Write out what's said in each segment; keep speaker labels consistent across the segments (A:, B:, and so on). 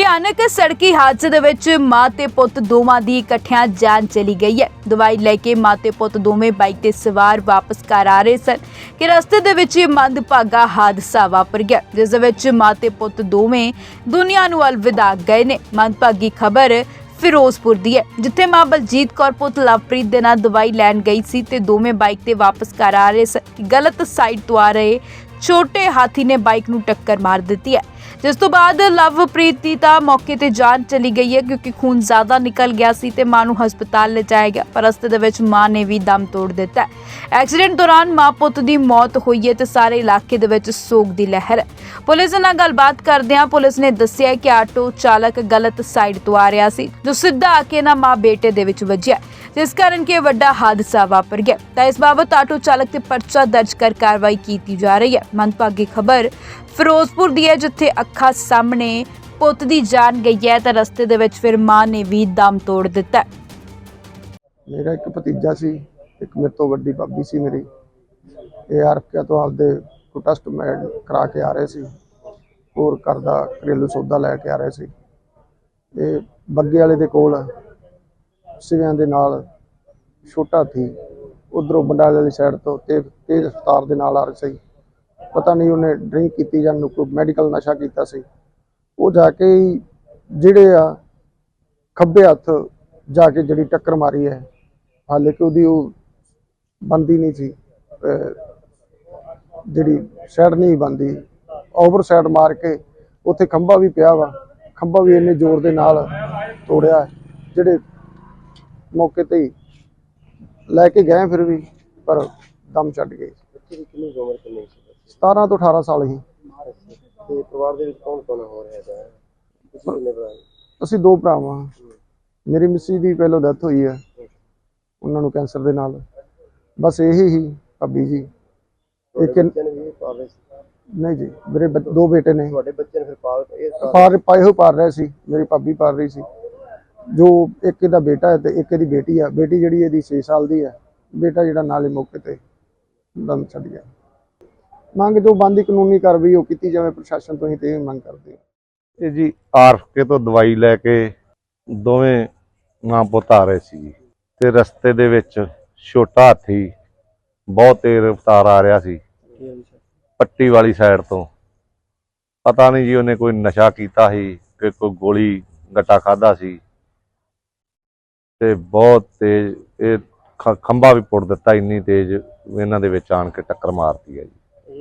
A: ਭਿਆਨਕ ਸੜਕੀ ਹਾਦਸੇ ਦੇ ਵਿੱਚ ਮਾਂ ਤੇ ਪੁੱਤ ਦੋਵਾਂ ਦੀ ਇਕੱਠਿਆਂ ਜਾਨ ਚਲੀ ਗਈ ਹੈ। ਦਵਾਈ ਲੈ ਕੇ ਮਾਂ ਤੇ ਪੁੱਤ ਦੋਵੇਂ ਬਾਈਕ ਤੇ ਸਵਾਰ ਵਾਪਸ ਘਰ ਆ ਰਹੇ ਸਨ ਕਿ ਰਸਤੇ ਦੇ ਵਿੱਚ ਇਹ ਮੰਦਭਾਗਾ ਹਾਦਸਾ ਵਾਪਰ ਗਿਆ, ਜਿਸ ਦੇ ਵਿੱਚ ਮਾਂ ਤੇ ਪੁੱਤ ਦੋਵੇਂ ਦੁਨੀਆ ਨੂੰ ਅਲਵਿਦਾ ਗਏ ਨੇ। ਮੰਦਭਾਗੀ ਖਬਰ ਫਿਰੋਜ਼ਪੁਰ ਦੀ ਹੈ, ਜਿੱਥੇ ਮਾਂ ਬਲਜੀਤ ਕੌਰ ਪੁੱਤ ਲਵਪ੍ਰੀਤ ਦੇ ਨਾਲ ਦਵਾਈ ਲੈਣ ਗਈ ਸੀ ਤੇ ਦੋਵੇਂ ਬਾਈਕ ਤੇ ਵਾਪਸ ਘਰ ਆ ਰਹੇ ਸਨ। ਗਲਤ ਸਾਈਡ ਤੋਂ ਆ ਰਹੇ ਛੋਟੇ ਹਾਥੀ ਨੇ ਬਾਈਕ ਨੂੰ ਟੱਕਰ ਮਾਰ ਦਿੱਤੀ ਹੈ, जिस तो बाद लवप्रीत की तो मौके ते जान चली गई है क्योंकि खून ज़्यादा निकल गया सी ते मां नूं हस्पताल ले जाया गया, पर रस्ते दे विच मां ने भी दम तोड़ दिता है। एक्सीडेंट दौरान मां पुत की मौत हुई है ते सारे इलाके दे विच सोग दी लहर है। पुलिस नाल गलबात करदिआं पुलिस ने दस्सिआ कि आटो चालक गलत साइड तो आ रहा सी, जो सीधा आके ना मां बेटे दे विच वज्जिआ, जिस कारण कि वड्डा हादसा वापर गया। तो इस बाबत आटो चालक ते परचा दर्ज कर कार्रवाई की जा रही है। मंदभागी खबर फिरोजपुर दी है, जिथे अखा सामने पुत दी जान गई है तो रस्ते दे विच फिर मां ने भी दम तोड़ दिता है।
B: मेरा एक भतीजा सी, एक मेरे तो वड्डी भाभी सी मेरी, ARK तो आपदे कोई टेस्ट मैड करा के आ रहे सी और घर दा घरेलू सौदा लैके आ रहे सी। ये बग्गे वाले दे कोल सिवियां दे नाल छोटा थी उधरों बंडाले वाली साइड तो तेज रफ्तार दे नाल आ रहे सी। पता नहीं उन्हें ड्रिंक की जां कोई मैडिकल नशा किया सी। वो जाके जिहड़े आ खब्बे हथ जाके जिहड़ी टक्कर मारी है, हाले कि उहदी बनती नहीं सी, जिहड़ी साइड नहीं बनती, ओवर साइड मार के उत्थे खंभा भी पिया वा, खंभा भी इन्ने जोर दे नाल तोड़िया, जिहड़े मौके ते ही लैके गए फिर भी पर दम छड्ड गए। 17 तो 18 साल ही। ਅਸੀਂ ਦੋ ਭਰਾ ਵਾਂ। ਮੇਰੀ ਮਿੱਸੀ ਦੀ ਪਹਿਲੋਂ ਡੈਥ ਹੋਈ ਹੈ, ਉਹਨਾਂ ਨੂੰ ਕੈਂਸਰ ਦੇ ਨਾਲ। ਬਸ ਇਹੀ ਹੀ ਭਾਬੀ ਜੀ। ਇੱਕ ਨਹੀਂ ਜੀ, ਮੇਰੇ ਦੋ ਬੇਟੇ ਨੇ। ਤੁਹਾਡੇ ਬੱਚੇ ਨੇ ਫਿਰ ਪਾਲ ਰਹੇ ਸੀ, ਮੇਰੀ ਭਾਬੀ ਪਾਲ ਰਹੀ ਸੀ। ਜੋ ਇੱਕ ਇਹਦਾ ਬੇਟਾ ਹੈ ਤੇ ਇੱਕ ਇਹਦੀ ਬੇਟੀ ਆ। ਬੇਟੀ ਜਿਹੜੀ ਇਹਦੀ 6 ਸਾਲ ਦੀ ਹੈ, ਬੇਟਾ ਜਿਹੜਾ ਨਾਲੇ ਮੌਕੇ ਤੇ ਦਮ ਛੱਡ ਗਿਆ। ਮੰਗ ਜੋ ਬੰਦੀ ਕਾਨੂੰਨੀ ਕਾਰਵਾਈ ਉਹ ਕੀਤੀ ਜਾਵੇ ਪ੍ਰਸ਼ਾਸਨ ਤੋਂ ਹੀ ਤੇ ਮੰਗ ਕਰਦੇ ਹਾਂ।
C: ਇਹ ਜੀ ARK ਤੋਂ ਦਵਾਈ ਲੈ ਕੇ ਦੋਵੇਂ ਮਾਂ ਪੁੱਤ ਆ ਰਹੇ ਸੀ ਤੇ ਰਸਤੇ ਦੇ ਵਿੱਚ ਛੋਟਾ ਹਾਥੀ ਬਹੁਤ ਤੇਜ਼ ਰਫ਼ਤਾਰ ਆ ਰਿਹਾ ਸੀ ਪੱਟੀ ਵਾਲੀ ਸਾਈਡ ਤੋਂ। ਪਤਾ ਨਹੀਂ ਜੀ ਉਹਨੇ ਕੋਈ ਨਸ਼ਾ ਕੀਤਾ ਸੀ ਕਿ ਕੋਈ ਗੋਲੀ ਗੱਟਾ ਖਾਦਾ ਸੀ ਤੇ ਬਹੁਤ ਤੇਜ਼ ਇਹ ਖੰਭਾ ਵੀ ਪੁੱਟ ਦਿੱਤਾ। ਇੰਨੀ ਤੇਜ਼ ਇਹਨਾਂ ਦੇ ਵਿੱਚ ਆਣ ਕੇ ਟੱਕਰ ਮਾਰਤੀ ਹੈ ਜੀ।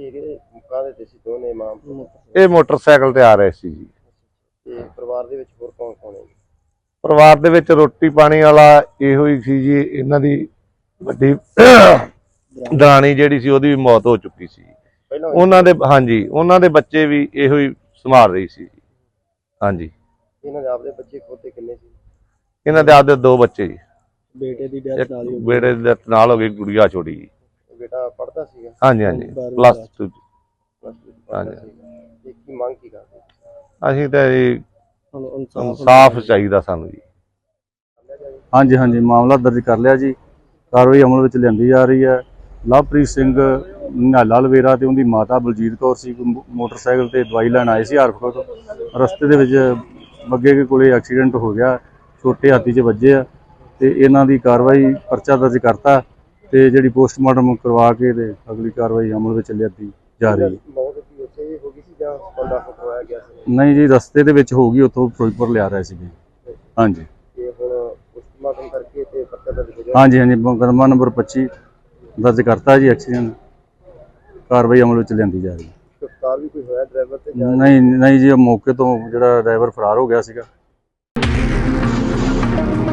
C: ਇਹ ਮੋਟਰਸਾਈਕਲ ਤੇ ਆ ਰਹੇ ਸੀ ਜੀ।
B: ਪਰਿਵਾਰ ਦੇ ਵਿੱਚ ਹੋਰ ਕੌਣ ਕੌਣ ਹੈ?
C: ਪਰਿਵਾਰ ਦੇ ਵਿੱਚ ਰੋਟੀ ਪਾਣੀ ਵਾਲਾ ਇਹੋ ਹੀ ਸੀ ਜੀ। ਇਹਨਾਂ ਦੀ ਵੱਡੀ ਦਰਾਣੀ ਜਿਹੜੀ ਸੀ ਉਹਦੀ ਵੀ ਮੌਤ ਹੋ ਚੁੱਕੀ ਸੀ। ਉਹਨਾਂ ਦੇ ਹਾਂਜੀ, ਉਹਨਾਂ ਦੇ ਬੱਚੇ ਵੀ ਇਹੋ ਹੀ ਸੰਭਾਲ ਰਹੀ ਸੀ। ਹਾਂਜੀ। ਇਹਨਾਂ ਦੇ ਆਪਦੇ ਬੱਚੇ ਖੁਦ ਕਿੰਨੇ ਸੀ? ਇਹਨਾਂ ਦੇ ਆਪਦੇ ਦੋ ਬੱਚੇ ਜੀ। ਬੇਟੇ ਦੀ ਡੈਥ ਨਾਲ ਹੋ ਗਈ, ਗੁੜੀਆ ਛੋਟੀ ਜੀ। ਬੇਟਾ ਪੜ੍ਹਦਾ ਸੀਗਾ? ਹਾਂਜੀ ਹਾਂਜੀ, +2। ਹਾਂਜੀ। ਕੀ ਮੰਗ ਕੀ ਕਰਦੇ ਅਸੀਂ ਤਾਂ ਜੀ? ਇਨਸਾਫ ਚਾਹੀਦਾ ਸਾਨੂੰ ਜੀ।
D: ਹਾਂਜੀ ਹਾਂਜੀ, ਮਾਮਲਾ ਦਰਜ ਕਰ ਲਿਆ ਜੀ। ਕਾਰਵਾਈ ਅਮਲ ਵਿੱਚ ਲਿਆਂਦੀ ਜਾ ਰਹੀ ਹੈ। ਲਵਪ੍ਰੀਤ ਸਿੰਘ ਨਿਹਾਲਾ ਲਵੇਰਾ ਤੇ ਉਹਦੀ ਮਾਤਾ ਬਲਜੀਤ ਕੌਰ ਸੀ, ਮੋਟਰਸਾਈਕਲ ਤੇ ਦਵਾਈ ਲੈਣ ਆਏ ਸੀ ARK ਤੋਂ। ਰਸਤੇ ਦੇ ਵਿੱਚ ਬੱਗੇ ਦੇ ਕੋਲੇ ਐਕਸੀਡੈਂਟ ਹੋ ਗਿਆ, ਛੋਟੇ ਹਾਥੀ 'ਚ ਵੱਜੇ ਆ ਤੇ ਇਹਨਾਂ ਦੀ ਕਾਰਵਾਈ ਪਰਚਾ ਦਰਜ ਕਰਤਾ ਤੇ ਜਿਹੜੀ ਪੋਸਟਮਾਰਟਮ ਕਰਵਾ ਕੇ ਤੇ ਅਗਲੀ ਕਾਰਵਾਈ ਅਮਲ ਵਿੱਚ ਲਿਆਂਦੀ ਜਾ ਰਹੀ ਹੈ। ਨਹੀਂ ਜੀ, ਰਸਤੇ ਦੇ ਵਿੱਚ ਹੋ ਗਈ, ਉੱਥੋਂ ਫਿਰੋਜ਼ਪੁਰ ਲਿਆ ਰਹੇ ਸੀਗੇ। ਹਾਂਜੀ ਹਾਂਜੀ ਹਾਂਜੀ, ਮੁਕੱਦਮਾ ਨੰਬਰ 25 ਦਰਜ ਕਰਤਾ ਜੀ। ਐਕਸੀਡੈਂਟ ਕਾਰਵਾਈ ਅਮਲ ਵਿੱਚ ਲਿਆਂਦੀ ਜਾ ਰਹੀ ਹੈ। ਨਹੀਂ ਜੀ, ਮੌਕੇ ਤੋਂ ਜਿਹੜਾ ਡਰਾਈਵਰ ਫਰਾਰ ਹੋ ਗਿਆ ਸੀਗਾ।